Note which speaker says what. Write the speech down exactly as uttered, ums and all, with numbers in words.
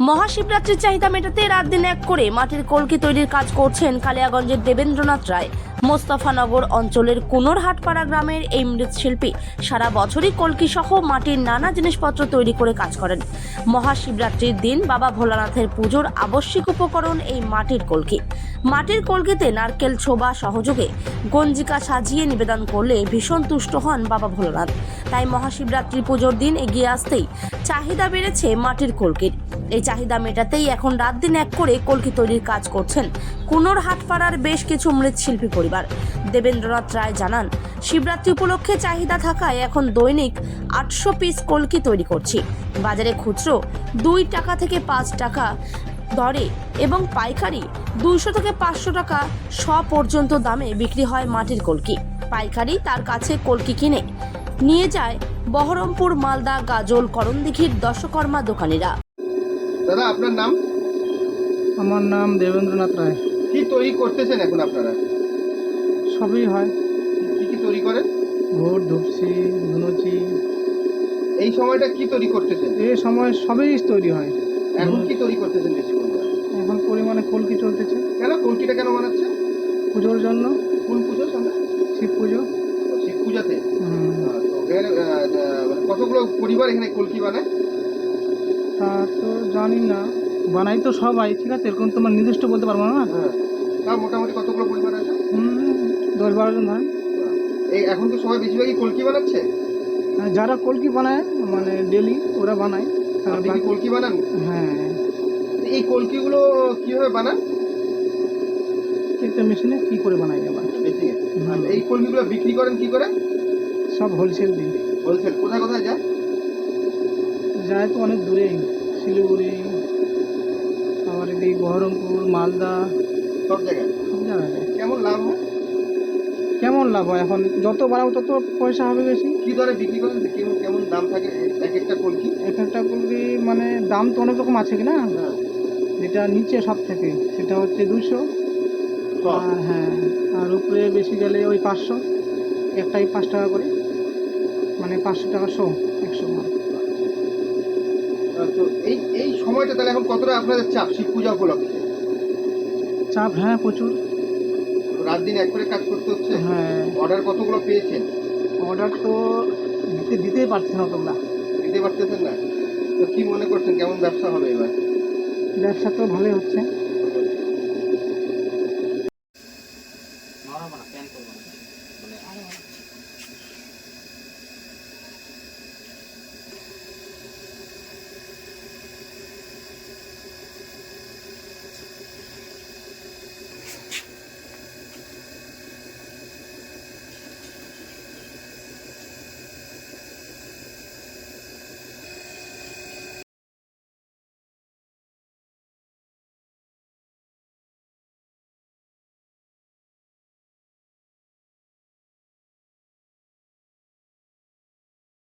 Speaker 1: মহাশিবরাত্রির চাহিদা মেটাতে রাত দিন এক করে মাটির কলকি তৈরির কাজ করছেন কালিয়াগঞ্জের দেবেন্দ্রনাথ রায়। মোস্তফানগর অঞ্চলের কুনোরহাটপাড়া গ্রামের এই মৃৎশিল্পী সারা বছরই কলকি সহ মাটির নানা জিনিসপত্র তৈরি করে কাজ করেন। মহাশিবরাত্রির দিন বাবা ভোলানাথের পুজোর আবশ্যিক উপকরণ এই মাটির কলকি। মাটির কলকিতে নারকেল ছোবা সহযোগে গঞ্জিকা সাজিয়ে নিবেদন করলে ভীষণ তুষ্ট হন বাবা ভোলানাথ। তাই মহাশিবরাত্রি পুজোর দিন এগিয়ে আসতেই চাহিদা বেড়েছে মাটির কলকির। এই চাহিদা মেটাতেই এখন রাত দিন এক করে কলকি তৈরির কাজ করছেন কুনোরহাটপাড়ার বেশ কিছু মৃৎশিল্পী পরিবার। দেবেন্দ্রনাথ রায় জানান, শিবরাত্রি উপলক্ষে চাহিদা থাকায় এখন দৈনিক আটশো পিস কলকি তৈরি করছি। বাজারে খুচরো দুই টাকা থেকে পাঁচ টাকা দরে এবং পাইকারি দুইশো থেকে পাঁচশো টাকা শ পর্যন্ত দামে বিক্রি হয় মাটির কলকি। পাইকারি তার কাছে কলকি কিনে নিয়ে যায় বহরমপুর, মালদা, গাজল, করণদিঘির দশকর্মা দোকানিরা।
Speaker 2: দাদা, আপনার নাম?
Speaker 3: আমার নাম দেবেন্দ্রনাথ রায়।
Speaker 2: কি তৈরি করতেছেন এখন আপনারা?
Speaker 3: সবই হয়,
Speaker 2: কি কি তৈরি করেন?
Speaker 3: ঘোর, ধুপসি, ধুনুচি।
Speaker 2: এই সময়টা কি তৈরি করতেছেন?
Speaker 3: এই সময় সবই তৈরি হয়।
Speaker 2: এখন কি তৈরি করতেছেন বেশি পরিমাণে?
Speaker 3: এখন পরিমাণে কলকি চলতেছে
Speaker 2: কেন কলকিটা কেন বানাচ্ছে?
Speaker 3: পুজোর জন্য।
Speaker 2: কোন পুজো সামনে?
Speaker 3: শিব পুজো।
Speaker 2: ও, শিব পূজাতে।
Speaker 3: হুম।
Speaker 2: আহ, তো এখানে আহ, আহ, মানে কতগুলো পরিবার এখানে কলকি বানায়?
Speaker 3: তা তো জানি না, বানাই তো সবাই, ঠিক আছে, এরকম তোমার নির্দিষ্ট বলতে পারবো না।
Speaker 2: হ্যাঁ, তাও মোটামুটি কতগুলো পরিবার আছে?
Speaker 3: হুম, দশ বারো জন ধরেন।
Speaker 2: এই এখন তো সবাই বেশিরভাগই কলকি বানাচ্ছে।
Speaker 3: আর যারা কলকি বানায় মানে ডেলি ওরা বানায়। আর
Speaker 2: আপনি কি
Speaker 3: বাকি-
Speaker 2: কলকি বানান?
Speaker 3: হ্যাঁ,
Speaker 2: এই কলকিগুলো কিভাবে বানান?
Speaker 3: একটা মেশিনে কি করে বানাই আবার।
Speaker 2: মেশিনে।
Speaker 3: হুম।
Speaker 2: আর এই কলকিগুলো বিক্রি করেন কি করে?
Speaker 3: সব হোলসেল দিই।
Speaker 2: হোলসেল। কোথায় কোথায় যায়?
Speaker 3: যায় তো অনেক দূরে, শিলিগুড়ি, আবার এদিকে বহরমপুর, মালদা,
Speaker 2: সব জায়গায়।
Speaker 3: সব জায়গায় যায়।
Speaker 2: কেমন লাভ হয়?
Speaker 3: কেমন লাভ হয়? এখন যত বাড়াবো তত পয়সা হবে বেশি।
Speaker 2: কি দরে বিক্রি করেন? কেমন কেমন দাম থাকে এক একটা কলকি?
Speaker 3: এক একটা কলকি মানে দাম তো অনেক রকম আছে কি না।
Speaker 2: হ্যাঁ।
Speaker 3: যেটা নিচে সব থেকে সেটা হচ্ছে দুশো।
Speaker 2: সব।
Speaker 3: আর হ্যাঁ, আর উপরে বেশি গেলে ওই পাঁচশো। একটাই পাঁচ টাকা করে, মানে পাঁচশো টাকা শো, একশো মাল।
Speaker 2: আহ, তো এই এই সময়টা তাহলে এখন কতটা আপনাদের চাপ শিব পূজা উপলক্ষে?
Speaker 3: চাপ, হ্যাঁ, প্রচুর।
Speaker 2: রাত দিন এক করে কাজ করতে হচ্ছে।
Speaker 3: হ্যাঁ,
Speaker 2: অর্ডার কতগুলো পেয়েছেন?
Speaker 3: অর্ডার তো দিতে দিতেই পারছি না তোমরা।
Speaker 2: দিতে পারতেছেন না? তো কি মনে করছেন কেমন ব্যবসা হবে এবার?
Speaker 3: ব্যবসা তো ভালোই হচ্ছে।